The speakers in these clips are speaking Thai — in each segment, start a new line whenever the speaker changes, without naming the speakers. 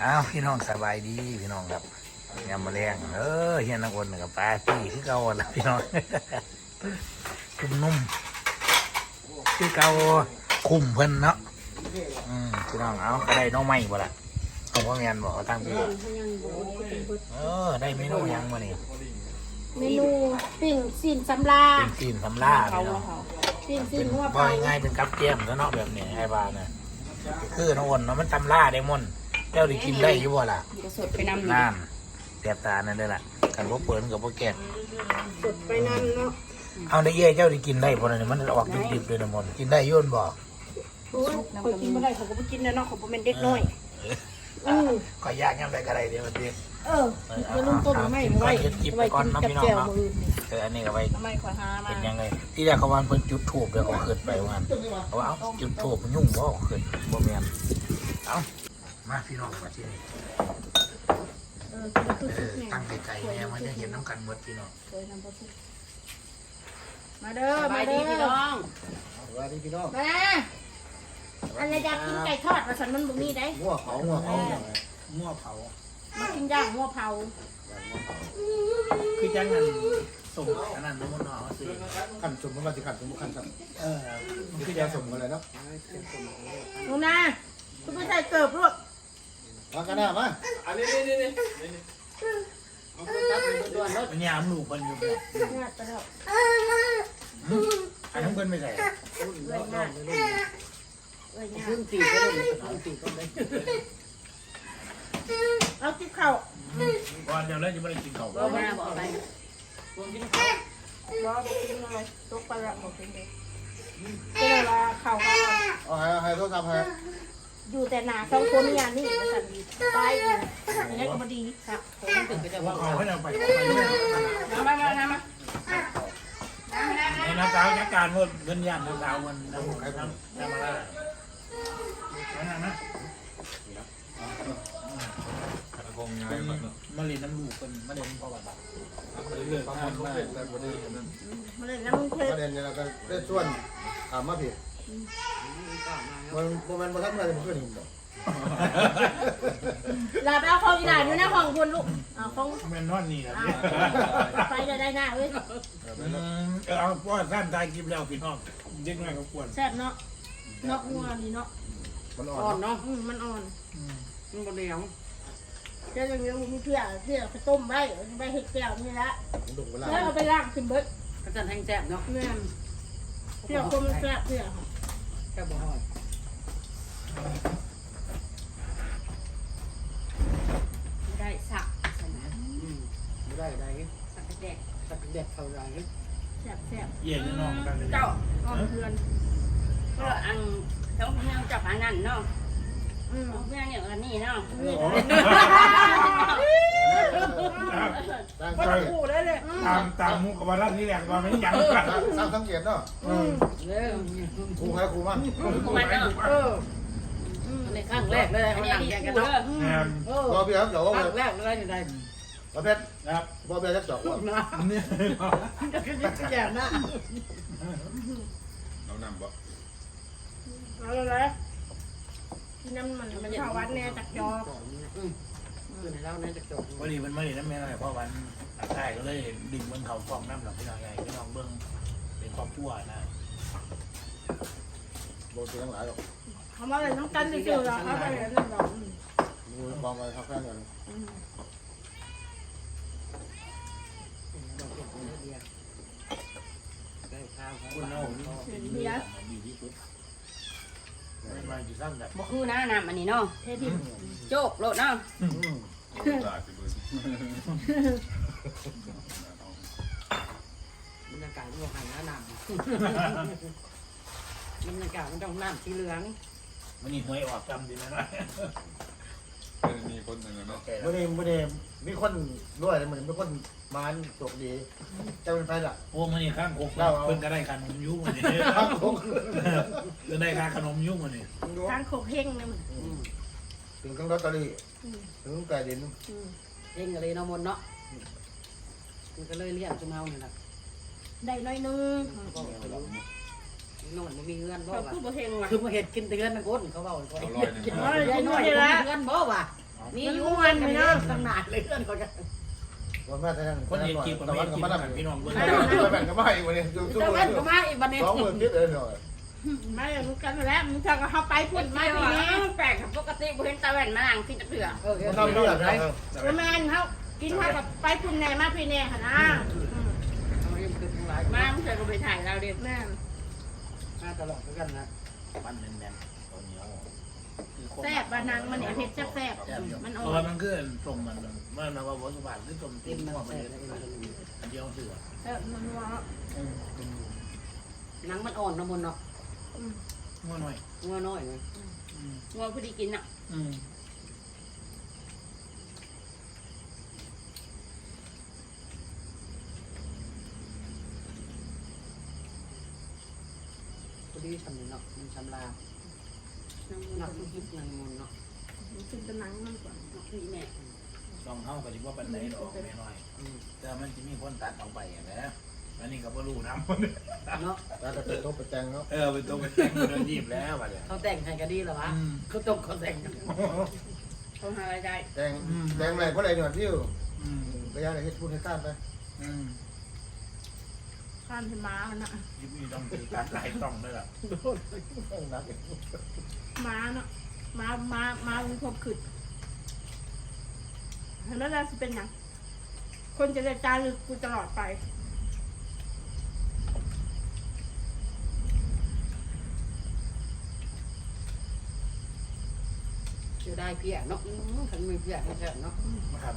อ้าวพี่น้องสบายดีพี่น้องครับยำมะเร็งเฮียนักวนกับปลาพี่ที่เก่าแล้วพี่น้องคุ้มนุ่มที่เก่าคุ้มเพิ่นเนาะพี่น้องเอาได้น้องใหม่บ่ล่ะเอาพ่อแม่นบอกตั้งพี่ได้เมนูยังมานี่
เมนูปิ้งซีนสำลา
ปิ้งซีนสำลาพี่น้อง
ปิ้งซีนหัว
ปล่อยง่ายเป็นกับเจียมแล้วเนาะแบบนี้ไอ้บ้านะคือน้องวนเนาะมันตำล่าได้ม่นเจ้าได้กินได้อยู่บ่ล่ะ
สดไปน้ำ
นั่นเสียบตานั่นได้ละกันพวกเปิดกับพวกแกะ
สดไปน้ำเนาะ
เอาได้เย่เจ้าได้กินได้บ่เนี่ยมันออกดิบๆเลยนะมนกินได้ย่นบ่
โอ้ยเคยกินไม่ได้เขาก็ไม่กินนะเนาะเขาเป็นเด็กน้อย
ก็ยากยังไงก็ได้เดี๋ยวมันดิ
จะลุ่มต้นไม่ไว้
กินไปก่อนนะพี่น้องเนาะอันนี้ก็ไปเป็นยังไงที่แรกเขาวานเพิ่นจุดทูบเดี๋ยวเขาขึ้นไปวันเขาว่าเอาจุดทูบยุ่งบ่ขึ้นบ่แม่นเอามาพี่น้องมาที่นี่ตั้งไก่เนี่ยมันจะเห็นน้ำกันหมดพี่น้อง
มาเด้อมาเด้อพี่น้อง
สวัสดีพี่น้อง
มาอะไรอยากกินไก่ทอดมาสันมันบุมีได้
มั่วเผามั่วเผา
มั่วเผา
มากินย่างมั่วเผา
คือจังนั้นส่งอันนั้นน้ำมันหน่อสิ
ขันสมมันมาสิขันสมขันสมคือจะสมอะไรเนาะ
ลุงนาคุณไม่ใส่เกิบลูก
มากันหน้ามา
อันนี้มันยามหนูมันอยู่แบบอันนั้นเพิ่นไม่ใส่
ขึ้นตีก็ได้ตีก็ได้
เอากินข้าว
ก่อนเดี๋ยวแล้วจะไม่ได้กินข้าว
เราไม่ได้บอกอะไรกินข้าวรอกินอะไรตกปลาบอกกินเลยก็เลยว่าข้าว
เอาให้โทษครับให้
อยู่แต่หนาสองคนนี่นี่มันสั่นดีไปอยู่อย่างนี้ก็พอดีครับผมถึงจะว่า
เขาให้เราไป
มา
ในน้ำสาวจัดการเงินยันน้ำสาวมันน้ำมาละนั่นนะมาเรียนน้ำลูกคนมาเรียนพ่อบ้านเรื่องประมาณว่า
มาเรียนน้ำเพชร
ประเด็นเนี่ยเราก็ได้ส่วนถามมาผิดมันทับอะไรมันขึ้นหินหรอ
ลาไปเอาของอีหลานอยู่ในห้องคุณลูกเอาของ
แม่นอนนี่นะ
ไปจะได้หน้าเว้ย
เอาพ่อท่านตายกินแล้วพี่น้องเด็กน้อยก็ควร
แซ่บเนาะเนาะงัวดีเนาะ
มันอ่อนเนาะ
มันอ่อน
มันบดเหนียว
จะยังมีเพื่อไปต้มไว้ไปเห็ดแก้วนี่ละแล้วเอาไปล้างขึ้นเบิด
ก็จะแห้งแซ่บเนาะ
เนี่ยเพื่อคนมันแซ่บเพื่อ
แค่บ่ฮอดไม่ได้สักสนะ
ไม่ได้
สักแดกเท่าไร
แซ่บ
เย็นน้องกัน
เจ้าเพื่อนก็อังเขาเพื่อนจับอันนั้นเนาะเพื่อนอย่างอันนี้เนาะ
คนคู่ได้เลย
ตามมุกกับว่ารักนี่แหละว่าไม่ยังกัน
สร้างสังเกตเนาะครูใครครูมั่ง
ในข้างแรกเลยเขาหนังแยกกันเนาะ
พอพี่ครับเดี๋ยวว่า
แรกเลยอยู่ใด
พอเพชร
ครับ
พอเพชรจะจบว่า
นี่
จะขึ้นจะแย่หน้า
เรานำบ่
เอาเลยที่น้ำมันข้าววัดเนี่ยจากจอก
คือในเล่าเนี่ยจากจอก
วันนี้มันไม่ได้น้ำแม่อะไรเพราะวันใช่ก็เลยดิ่งบนเขาฟองน้ำหลังพี่น้องใหญ่พี่น้องเบิ้งเป็นครอบครัวนะ
โบตีทั้งหลายหรอก
เขามาเลยน้ำกันจะเจอเราเขาไปเลยนั่นหรอก
ดูบองไปเขาแค่นั้น
คุณน้องเบียร์ดีที่สุดมาอยู่ซ้ำแบบ
บ่คือนะน้ำอันนี้เนาะเทพิโจกโลดเนาะบรรยากาศมันหายน้ำบรรยากาศมันต้องน้ำสีเหลือง
มันนี่หวยออกจำดีนะ
มีคนหนึ่งนะไม่ได้มีคนด้วยเหมือนเป็นคนมาจบดีจะเป็นไปละ
โอ้มันนี่ข้างโคกเพิ่งก็ได้ขนมยุ่งมันนี่ข้างโคกก็ได้ค่าขนมยุ่งมันนี่
ข้างโคกเฮงเลยมัน
ถึงทั้งลอตเตอรี่ถึงไก่ดิน
เฮงอะไรเนาะมนเนาะมันก็เลยเลี้ยงจุ่มเฮาเนี่ยนะ
ได้น้อยนึง
นอนมันมีเงินบ่
คือบ่เฮงว่ะ
คือมาเห็ดกินเตือนนะก้นเขาบอก
กินน้อย
ได้น้อยเงินบ่ว่ะนี่อยู่มันไม่เนาะตั้งนานเลยเพื่อนเขาจะ
วันมาแต่นั่น
คนเห็นคลิปกับ
ตะ
ไม่
วัน
เห็น
ก็
คลิป
มา
กับ
ทำ
พี่น้องเบิ่ง
ตะวันก็มาอีกวันนี้ดู
เจ้าเล่นก็มาอีกบันนี้
20,000คิดเลยหน่อย
ไม่รู้กันแล้วมึงจะก็เข้าไปพูด
ไม่
ไม่
ดี
ดี
แปลกครับปกติบ่เห็นตาแว่นมานั่งกินตะเถื่อ
มันทำเรื่องนะ
แม่นเขากินข้าวกับไปพูดแน่มาพี่แน่ค่ะนะ
มาเพื่อนก็ไปถ่ายเราเด็ก
แม่น
มาตลอดด้วยกันนะ
มันแน่นๆตัวเหนียว
แซ่บบ้านังมันเนี่ยเผ็ดแซ่บมัน
เพ
อ่อ
ราะว่าน มันคือตรงมันมันว่าวัตถุบาทคือตรงตีนหัวมันอันเดียวเสือ
แซ่บนัว
หนังมันอ่อนนะมนเนาะ
งัวหน่อย
งัวน้อยเลยงัวพอดีกินอ่ะ
พอดีทำเนาะมันชำลา
นัง
หนั
นั
ก
ก
ทุกทิศนังมุนเนาะ
กินแต่หนังมันก่อน
นักนี่แม่
ลองเข้ากันดีว่าปันไหนดอกแม่น้อยแต่มันจะมีคนตัดออกไปอย่างนี้อันนี้ก็บ่รู้น้ำ
เนาะ
แล้วก็เป็นโต๊ะประแจงเนาะ
เป็นตัวเป็นแต่งเป็นรีบแล้วบัดเนี่ย
เขาแต่งให้ก็ดีแล้ววะเขาตกเขาแต่ง
เขาหาอะไรได้
แดงอะไรเพราะอะไรหน่อยที่อยู่ระยะไหนที่พูดให้ข้ามไป
ข้ามที่ม้ามันนะ
ยิบมีต้องถือตัดหลายต้องด้วยล่ะ
นัก
ม้าเนาะม้ามันครบขึ้นแล้วเราจะเป็นยังคนจะได้จารึกกูตลอดไป
จะได้เพี้ยเนาะขันมีเพี้ยให้แท้เนาะ
นะครับ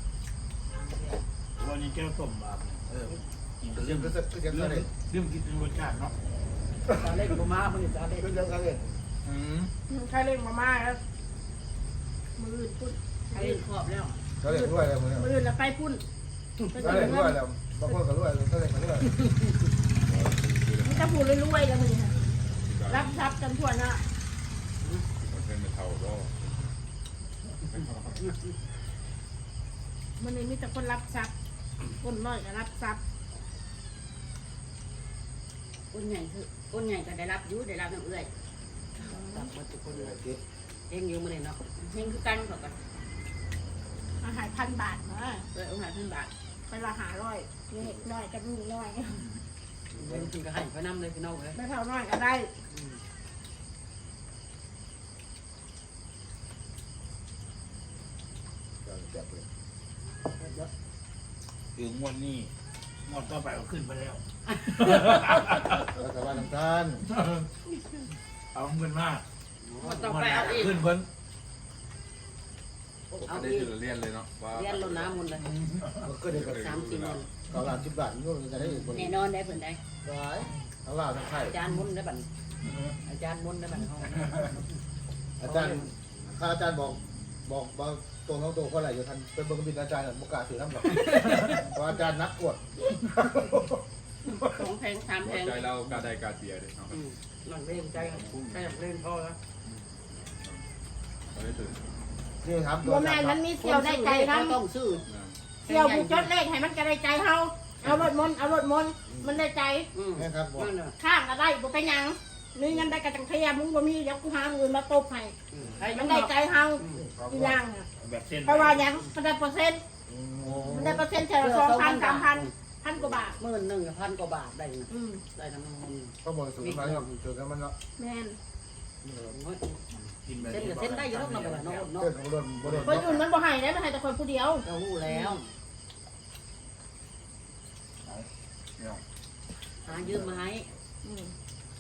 วันนี้เจ้าต้มแบบกินก็
เรื่
เรื่
อ
อง ง
ก็จะเรื่องอะไร
เรื่องกินรสชาติเนาะ
จะเล่นกูมาเพิ่งจะเล่น
เรื่องอะไร
ใครเล่นมาม่าแล้วมือพุ่น
ใครขอบแล้ว
เขาเรียกด้วยอะไรมึงเนี่ย
มือแล้วไปพุ่นไป
เขา
ถึ
เรีย
ง
ก
เงิ
ด้วย
น
แล้วบางคนก็ด้วยเขาเรียกด้วย
มันจะพูดรวยๆแล้วมึงรับทรัพย์กันทั่วหน้า
เป็นเท่าก็
มันเลยมีแต่คนรับทรัพย์คนน้อยก็รับทรัพย์
คนใหญ่คือคนใหญ่ก็ได้รับอยู่ได้รับน้ำเอื้อย
ตับมาทุกคนเลยเองอยู่มาเลยเนาะ
เฮงคือกันเขาก็
อาหาร1,000 บาทมา
เอื้อยเอาหาขึ้นบาท
ไปละ500เล็กน้อยกับลูกน้อย
เล่นกินก็ให้ไปน้ำเลยพี่น้องเลย
ไม่เท่าน้อยก็ได้
คืองวดนี้งวดต่อไปก็ขึ้นไปแล้ว
รัฐบาลน้ำตาล
เอาเงินมาก
ต้องไปเอาอีก
ขึ้นเพิ่น
เอา
ได้
อีก
จุดเรียนเลยเนาะว่า
เลี้ยนลงน้ำมุนเลย
ก็เด็กกับ
30 มัน
เขาล้าน10 บาทนู่นจะได้อีกคน
แน่นอนได้เพิ่นได้
ร้ายทั้งลาวทั้งไทย
อาจารย์มุนได้บันอาจารย์มุนได้บันห้อง
อาจารย์ข้าอาจารย์บอกตัวน้องตัวคนไหนอยู่ทันเป็นเบอร์บินอาจารย์บุกกาถือน้ำหรอกเพราะอาจารย์นักกวด
2แพง3แพง
ใจเรากาได้กาเสียเลยเนาะ
มันเล่นใจใครอยากเล่นพ่อแล้ว
เราได้ถึง
นี่ครับ
บัวแมนมันมีเสี่ยวได้ใจทั้ง
ต้องซื้อ
เสี่ยวผู้จดเลขให้มันก็ได้ใจเฮาเอารถมนต์มันได้ใจ
นี่ครับบอก
นั่นน่ะ
ข้างก็ได้บ่ไปหยังมีเงินได้กระจังเทียมึงบ่มีเดี๋ยวกูหาเงินมาตบให้
ให้
มันได้ใจเฮาอีหยังอะ
แบบเส้น
เพราะว่าหยังมันได้เปอร์เซ็นต์มันได้เปอร์เซ็นต์แค่ละ2,000 3,000 1,000 กว่าบาท
11,000 กว่าบาทได้
อืม
ได้ทั้งมัน
ก็บอกสูงมาเนี่ยเจอกันมันเนาะ
แม่น
กินแบบ
เส้นกับเส้นได้อยู่ต้องนำไปเนาะเนาะ
เพื่อนของรถบริ
คนอื่นมันบ่ให้ได้มันให้แต่คนผู้เดียว
เรารู้แล้วหายืมมาให้
อืม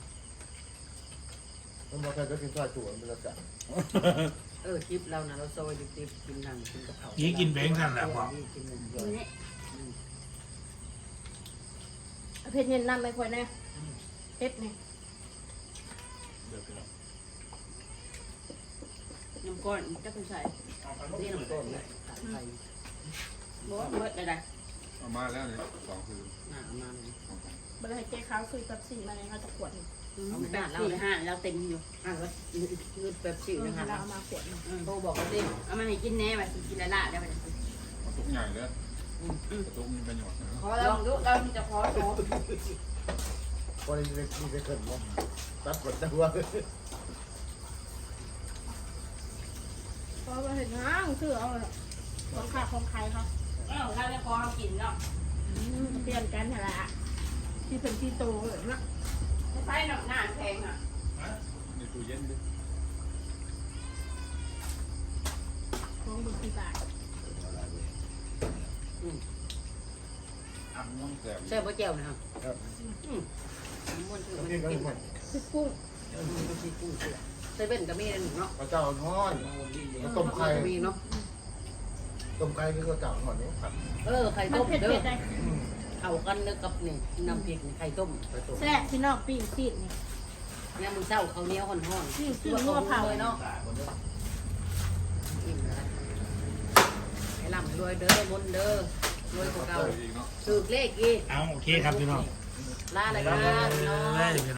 มันบอกใครก็กินซอยถั่วมันจะจัด
คลิปเรานะเราโซยดิบกินหนังกินกะเพรา
นี่กินเบงกันแหละพ่อ
กิน
นี่
เอาเพชรเย็นนำไปค่อยแน่เพชรนี่
น้ำก้อนจะเป็นใส่
นี่น้ำต้นเลยไทย
บ่เบิดได้
เอามาแล้วเนี่ย2คือ
หน้ามาเลย
บ่ได้ให้เจ๊ขาวซื้อกับ4มาเลยเขาจะขวดนึง
เอาไปเราเลยห้าเราเต็มอยู่
แล้วเงินแบบสิวนะคะ
เราเอามาขวดนึง
โทรบอกกันดิ
เอามาให้กินแน่ไปกินละละได้ไป
ทุกใหญ่เลยทุกมีประโยชน์นะ
ขอลองดูเราจะขอโชว์
พอดีมีไปเขินมั้งตัดกดตัว
ก็ไปเห็นห้างซื้อเอาของขาของใครเขา
ถ้าไม่พอเขากินเนาะ
เปลี่ยนกันเหรอที่เป็นที่โตเลยนะ
ใช้หนักหน้าแพงอ่ะ
ในตู้เย็นดิ
ของบุญบาท
อ่ำน้องแสบ
ใช่พ่อแก้วนะครับ
ครับ
ม้วนคือ
น้ำ
มัน
พริกก็
กิน
ทุกคน
คือกุ้ง
มันกินกุ้งเสือเซเว่นก็มีนะหนูเนาะ
ข้าวเจ้าทอดแล้วต้มไข่
มีเนาะ
ต้มไข่คือข้าวเจ้าทอดนี่ครับ
ไข่
มัน
ต้ม
เผ็ด
เด้
เผ็
อ
ดได้
เข้ากันเด้อกับนี่น้ำพริกไข่ต้ม
ไข่ต้ม
แซ่บพี่น้องปีนซีดนี่
เนี่ยมึงเศร้าเขาเนี้ยห่อนๆ
ชื่องัวเผา
เลยเนาะอิ่มแล้วให้ร่ำรวยเด้อบนเด้อรวยกว่าเก่า
อีกเนาะ
ถือเลขอีก
เอาโอเคครับพี่น้อง
ลาเลยครับพี่น้อง